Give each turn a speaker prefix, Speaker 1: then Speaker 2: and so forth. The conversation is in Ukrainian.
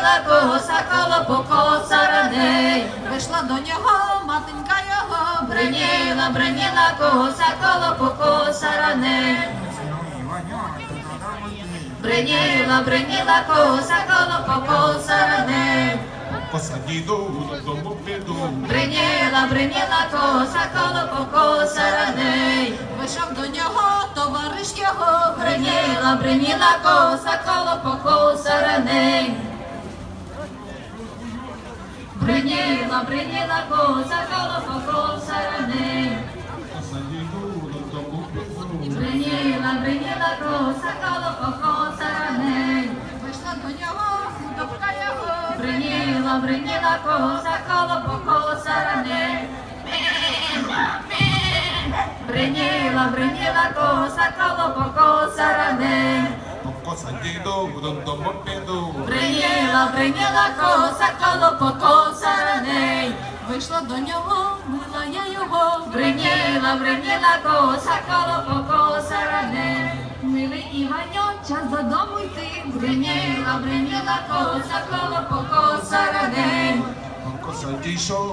Speaker 1: бриніла коса, колопокоса раней.
Speaker 2: Вийшла до нього, матенька його,
Speaker 1: Бриніла, бриніла коса, колопокоса раней. Бриніла, бриніла коса, колопокоса раней.
Speaker 3: Посадіду, додому піду.
Speaker 1: Бриніла, бриніла коса, колопокоса раней.
Speaker 2: вийшов до нього, товариш його,
Speaker 1: Бриніла, бриніла коса, колопокоса раней. Бриніла, бриніла коса, колопокоса раней.
Speaker 3: Посадіду, додому піду.
Speaker 1: Бриніла, бриніла коса, колопокоса раней.
Speaker 2: вийшла до нього, худобка його,
Speaker 1: Бриніла, бриніла коса, колопокоса раней. Бриніла, бриніла коса, колопокоса раней.
Speaker 3: Посадіду, додому піду.
Speaker 1: Бриніла, бриніла коса, колопокоса раней.
Speaker 2: вийшла до нього, мила я його,
Speaker 1: Бриніла, бриніла коса, колопокоса раней.
Speaker 2: милий Іваньо, час додому йти,
Speaker 1: Бриніла, бриніла коса, колопокоса раней.
Speaker 3: Посадішов.